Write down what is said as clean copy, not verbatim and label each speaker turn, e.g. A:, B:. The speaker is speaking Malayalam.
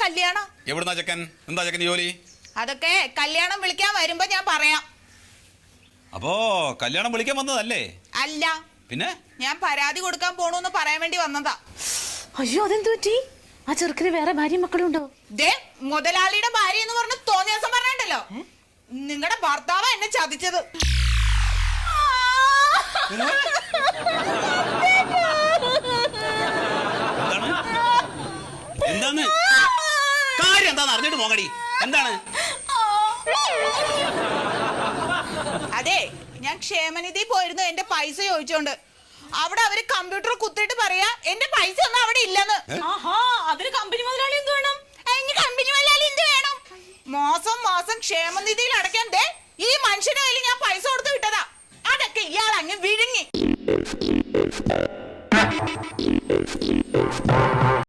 A: കല്യാണം.
B: എവിടുന്നാ ചെക്കൻ? എന്താ ചെക്കൻ ജോലി?
A: അതൊക്കെ കല്യാണം വിളിക്കാൻ വരുമ്പോ ഞാൻ പറയാം.
B: അപ്പോ കല്യാണം വിളിക്കാൻ വന്നതല്ലേ?
A: അല്ല,
B: പിന്നെ
A: ഞാൻ പരാതി കൊടുക്കാൻ പോണൂന്ന് പറയാൻ വേണ്ടി വന്നതാ.
C: അയ്യോ, അതെന്തു പറ്റി? ആ ചെറുക്കിന് വേറെ ഭാര്യയും മക്കളും ഉണ്ടോ?
A: ദേ, മുതലാളിയുടെ ഭാര്യ എന്ന് പറഞ്ഞ് തോന്നിയ ദിവസം പറഞ്ഞല്ലോ, നിങ്ങളുടെ ഭർത്താവ് എന്നെ ചതിച്ചത്.
B: എന്താണ് കാര്യം? എന്താന്ന് അറിഞ്ഞിട്ട് പോകടി. എന്താണ്?
A: അതെ, ഞാൻ ക്ഷേമനിധി പോയിരുന്നു എന്റെ പൈസ ചോദിച്ചോണ്ട്. അവിടെ അവര് കമ്പ്യൂട്ടർ കുത്തിട്ട് പറയാ എന്റെ പൈസ ഒന്നും അവിടെ ഇല്ലെന്ന്.
C: അതിന് കമ്പനി മുതലാളി എന്ത് വേണം?
A: കമ്പനി മുതലാളി എന്ത് വേണം? മാസം മാസം ക്ഷേമനിധിയിൽ അടയ്ക്കാൻ ദേ ഈ മനുഷ്യന്റെ കയ്യിൽ ഞാൻ പൈസ കൊടുത്ത് വിട്ടതാ. അതൊക്കെ ഇയാൾ അങ്ങ് വിഴുങ്ങി.